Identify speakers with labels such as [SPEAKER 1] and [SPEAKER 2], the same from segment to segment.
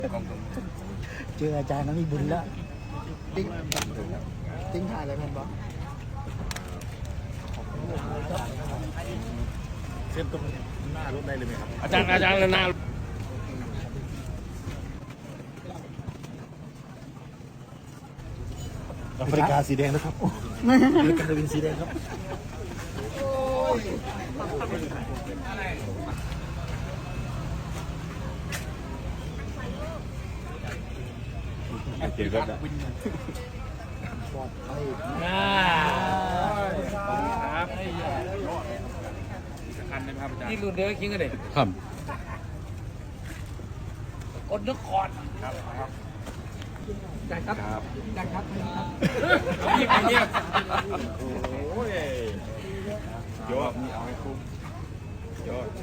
[SPEAKER 1] เจออาจารย์ก็มีบุญแล้ว
[SPEAKER 2] ทิ้งถ่ายอะไรมันบ้างเส้นตรงหน้ารถได้เลยไหมครับ
[SPEAKER 3] อาจารย์หน้า
[SPEAKER 2] แอฟริกาสีแดงนะครับแอฟริกาเป็นสีแดงครับเกี่ยวกับ
[SPEAKER 3] ครับนี่รุ่นเดียวคิงกันเลยครับอดนครได้ครับได้ครับนี่ไปเนี่ย
[SPEAKER 2] โอ้ยยอดนี่เอาให้คุ้มยอด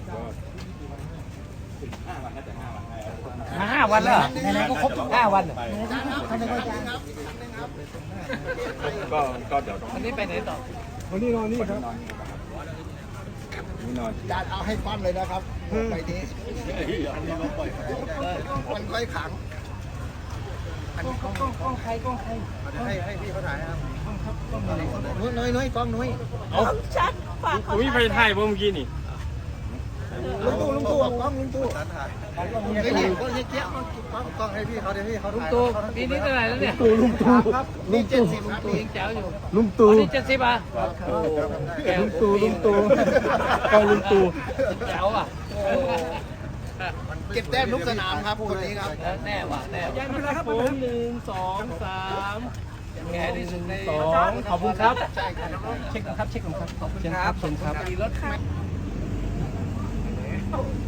[SPEAKER 3] 5 วันแล้วไหนๆก็ครบ5 วัน
[SPEAKER 2] ก็เดี๋ยว
[SPEAKER 3] วันนี้ไปไหนต่อ
[SPEAKER 2] วันนี้นอนนี่ครับนี่นอน
[SPEAKER 1] อาจารย์เอาให้ฟันเลยนะครับไปนี้มันค่อยขัง
[SPEAKER 3] กล้องใคร
[SPEAKER 1] ให้พี่เขาถ่ายครับน้อยกล้องน้อย
[SPEAKER 3] เอาชัดฝากเขาไปถ่ายเมื่อกี้นี่
[SPEAKER 1] ลุงตู่กล้องลุงตู่ให้พี่ก็ให้เกี้ยกล้องให้พี่เขาเดี๋ยวพี่เขา
[SPEAKER 3] ลุงตู่ปีนี้เท่าไหร่แล้วเนี่ย
[SPEAKER 1] ลุงตู่ครับลุง70ครับ
[SPEAKER 3] ยังแจ๋วอยู่
[SPEAKER 1] ลุงตู่
[SPEAKER 3] นี่70อ่ะ
[SPEAKER 1] ลุงตู่ก็ลุงตู่
[SPEAKER 3] แจ๋วอ่ะ
[SPEAKER 1] เก็บแต้มทุกสนามครับคนนี้ครับ
[SPEAKER 3] แน่ว่ะแน่ยังไม่ได้ครับผม1 2 3แง่ที่1 2ขอบคุณครับเช็คครับขอบคุณครับรถ